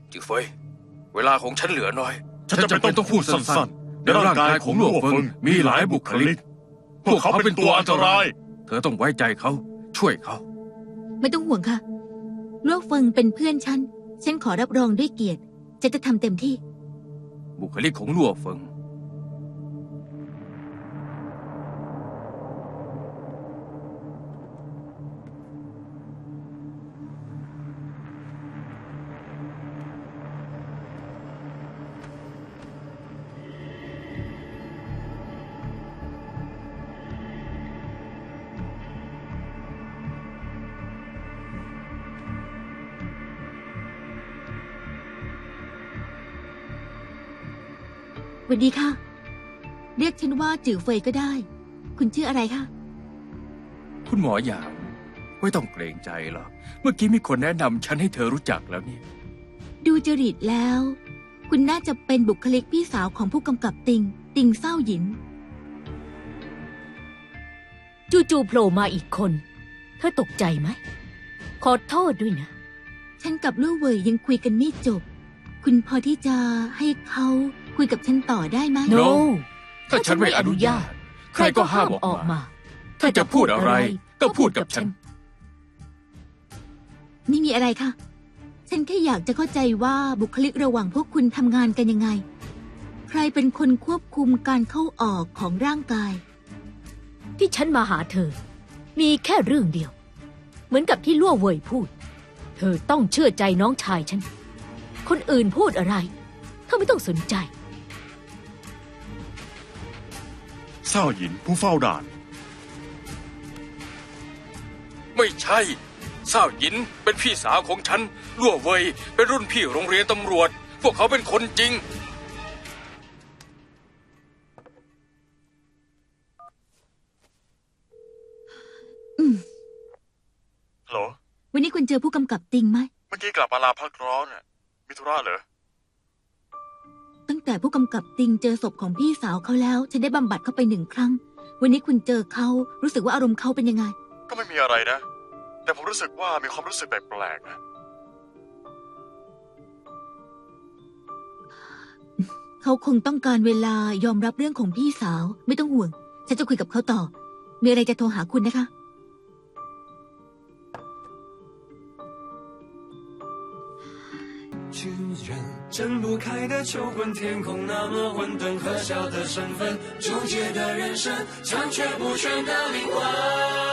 จือเฟยเวลาของฉันเหลือน้อยฉันจะเป็นต้องพูดสั้นๆในร่างกายของลั่วเฟิงมีหลายบุคลิกพวกเขาเป็นตัวอันตรายเธอต้องไว้ใจเขาช่วยเขาไม่ต้องห่วงค่ะลั่วเฟิงเป็นเพื่อนฉันขอรับรองด้วยเกียรติจะทำเต็มที่บุคลิกของลั่วเฟิงสวัสดีค่ะเรียกฉันว่าจื่อเฟยก็ได้คุณชื่ออะไรคะคุณหมอหยางไม่ต้องเกรงใจหรอกเมื่อกี้มีคนแนะนำฉันให้เธอรู้จักแล้วนี่ดูจริตแล้วคุณน่าจะเป็นบุคลิกพี่สาวของผู้กำกับติงเศร้าหยินจู่ๆโผล่มาอีกคนเธอตกใจไหมขอโทษด้วยนะฉันกับลู่เว่ยยังคุยกันไม่จบคุณพอที่จะให้เขาคุยกับฉันต่อได้ไหม No ถ้าฉันไม่อนุญาตใครก็ห้ามออกมาถ้าจะพูดอะไรก็พูดกับฉันไม่มีอะไรค่ะฉันแค่อยากจะเข้าใจว่าบุคลิกระหว่างพวกคุณทำงานกันยังไงใครเป็นคนควบคุมการเข้าออกของร่างกายที่ฉันมาหาเธอมีแค่เรื่องเดียวเหมือนกับที่ลั่วเว่ยพูดเธอต้องเชื่อใจน้องชายฉันคนอื่นพูดอะไรเธอไม่ต้องสนใจเศร้าหยินผู้เฝ้าด่านไม่ใช่เศร้าหยินเป็นพี่สาวของฉันลั่วเว่ยเป็นรุ่นพี่โรงเรียนตำรวจพวกเขาเป็นคนจริงฮัลโหลวันนี้คุณเจอผู้กำกับติงไหมเมื่อกี้กลับมาลาพักร้อนมีธุระเหรอตั้งแต่ผู้กำกับติงเจอศพของพี่สาวเขาแล้วฉันได้บำบัดเข้าไป1 ครั้งวันนี้คุณเจอเขารู้สึกว่าอารมณ์เขาเป็นยังไงก็ไม่มีอะไรนะแต่ผมรู้สึกว่ามีความรู้สึกแปลกๆนะเขาคงต้องการเวลายอมรับเรื่องของพี่สาวไม่ต้องห่วงฉันจะคุยกับเขาต่อมีอะไรจะโทรหาคุณนะคะ巨人睁不开的求婚，天空那么混沌，可笑的身份，纠结的人生，残缺不全的灵魂。